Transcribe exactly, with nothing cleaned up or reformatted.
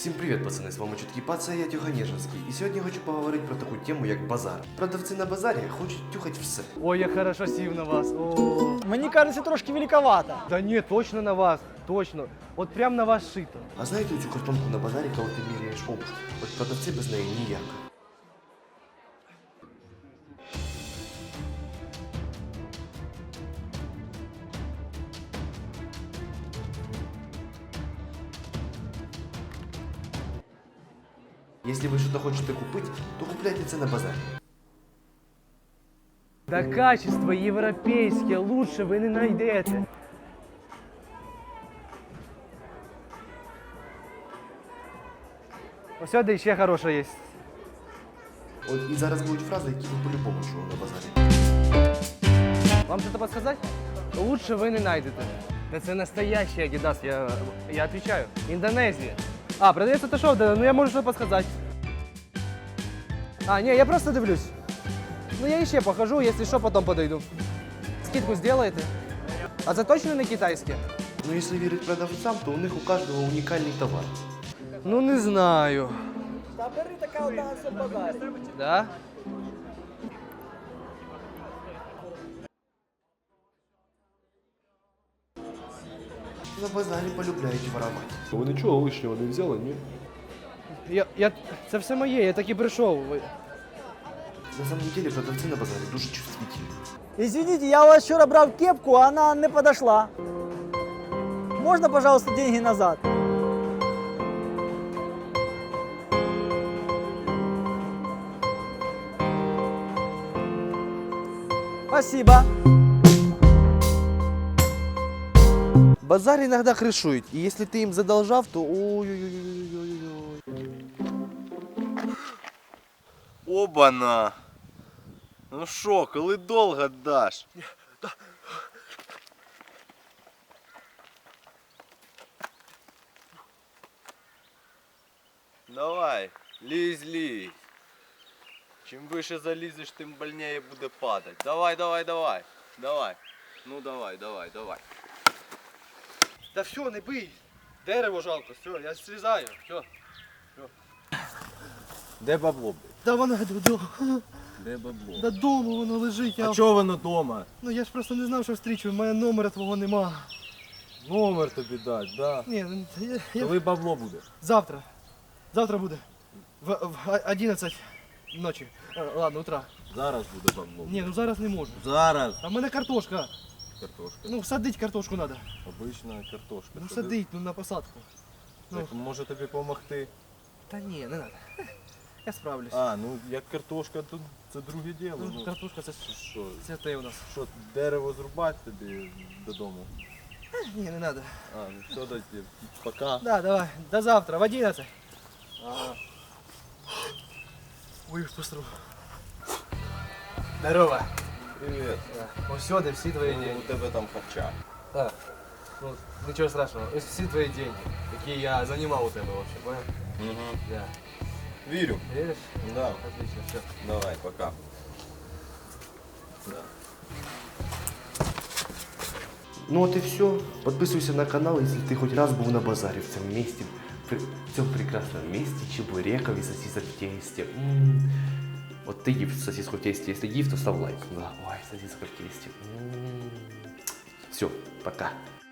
Всім привіт, пацани, з вами Чуткий Паца, я Тюха Нежинський. І сьогодні я хочу поговорити про таку тему, як базар. Продавці на базарі хочуть тюхати все. Ой, я хорошо сів на вас. О. Мені кажеться, трошки великовато. Да ні, точно на вас, точно. От прям на вас шито. А знаєте цю картонку на базарі, коли ти міряєш обувь? От продавці без неї ніяк. Если вы что-то хотите купить, то купляйте це на базарі. Да качество європейське, лучше ви не знайдете. Ось сюди ще хороше є. От і зараз будуть фрази, які ви по-любому чули на базарі. Вам что-то подсказать? Лучше вы не найдете. Да це настоящий Adidas, я, я отвечаю. Индонезия. А, продается это шоу, да, ну я можу что подсказать. А, не, я просто дивлюсь. Ну я еще похожу, если что, потом подойду. Скидку сделаете? А це точно не китайське? Ну, якщо вірити продавцям, то у них у кожного унікальний товар. Ну не знаю. Та бери така одна на базарі. Да? На базарі полюбляють воровати. Ви нічого лишнього не взяли, ні? Я, я, це все моє, я так і прийшов. Ви- На самом деле продавці на базарі дуже чувствительні. Извините, я у вас вчора брав кепку, а она не подошла. Можно, пожалуйста, деньги назад? Спасибо. Базар иногда крышует, и если ты им задолжав, то ой-ой-ой-ой-ой-ой. Обана! Ну що, коли довго даш? Давай, лізь, лізь. Чим вище залізеш, тим больніше буде падати. Давай, давай, давай. Давай. Ну давай, давай, давай. Да все, не бий. Дерево жалко, все, я слізаю, все. Де бабло, блядь? Да воно додому. Де бабло? Додому воно лежить. Я... А чого воно дома? Ну я ж просто не знав, що встрічу, у мене номера твого нема. Номер тобі дать, да. Ні, ну, я, я... Коли бабло буде? завтра. Завтра буде. В, в одинадцять ночі. Е, ладно, утра. Зараз буде бабло. Ні, ну зараз не можу. Зараз. А в мене картошка. Картошка. Ну, садить картошку треба. Обична картошка. Ну, Сади. садить, ну, на посадку. Ну, Так, може тобі допомогти? та ні, не треба. Я справлюсь. А, ну як картошка, то це друге діло. Ну, Ну, картошка це, що, це те у нас. що, дерево зрубати тобі додому? Ні, не треба. А, ну все, дайте, пока. Да, давай, до завтра, в одинадцять. Ага. Ой, постру. Здорово. Привіт. Ось сюди всі твої Ну, деньги. у тебе там харча. Так. Ну, нічого страшного. Ось всі твої деньги, які я займав у тебе вообще, понял? Угу. Да. Вірю. Веришь? Да. Отлично, все. Давай, пока. Да. Ну от і все. Подписывайся на канал, если ты хоть раз был на базаре в цьому місті. В цьому прекрасному місті, чебуреков і сосисок в тесте. М-м. Вот ты ев сосиску в тесте, если ев, то ставь лайк. Да. Ой, сосиска в тесте. М-м. Все, пока.